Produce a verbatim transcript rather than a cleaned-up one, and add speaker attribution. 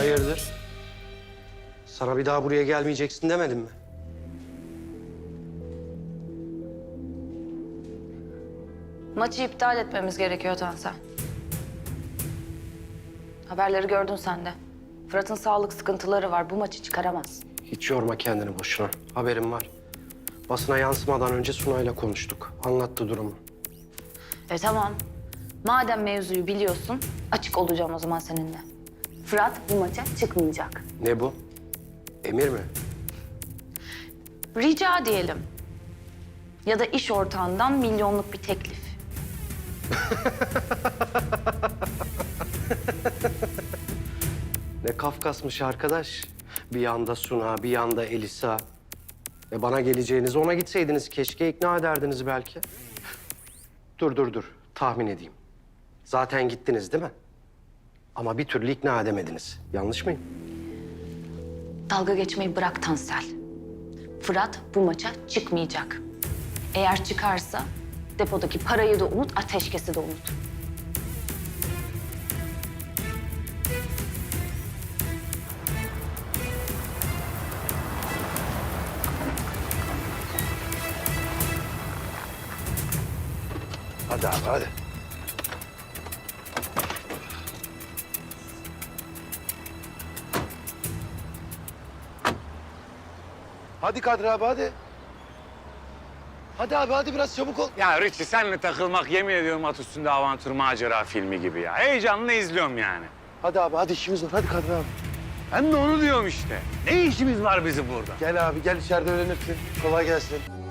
Speaker 1: Hayırdır? Sana bir daha buraya gelmeyeceksin demedim mi?
Speaker 2: Maçı iptal etmemiz gerekiyor Tansel. Haberleri gördün sen de. Fırat'ın sağlık sıkıntıları var. Bu maçı çıkaramaz.
Speaker 1: Hiç yorma kendini boşuna. Haberim var. Basına yansımadan önce Sunay'la konuştuk. Anlattı durumu.
Speaker 2: E tamam. Madem mevzuyu biliyorsun, açık olacağım o zaman seninle. Fırat bu maça çıkmayacak.
Speaker 1: Ne bu? Emir mi?
Speaker 2: Rica diyelim. Ya da iş ortağından milyonluk bir teklif.
Speaker 1: Ne Kafkasmış arkadaş. Bir yanda Suna, bir yanda Elisa. E bana geleceğinizi ona gitseydiniz keşke ikna ederdiniz belki. Dur dur dur. Tahmin edeyim. Zaten gittiniz değil mi? Ama bir türlü ikna edemediniz. Yanlış mıyım?
Speaker 2: Dalga geçmeyi bırak Tansel. Fırat bu maça çıkmayacak. Eğer çıkarsa depodaki parayı da unut, ateşkesi de unut.
Speaker 1: Hadi abi hadi. Hadi Kadri abi hadi. Hadi abi hadi biraz çabuk ol.
Speaker 3: Ya Richie senle takılmak yemin ediyorum at üstünde avantür macera filmi gibi ya. Heyecanla izliyorum yani.
Speaker 1: Hadi abi hadi işimiz var hadi Kadri abi.
Speaker 3: Ben de onu diyorum işte. Ne işimiz var bizim burada?
Speaker 1: Gel abi gel içeride öğrenirsin. Kolay gelsin.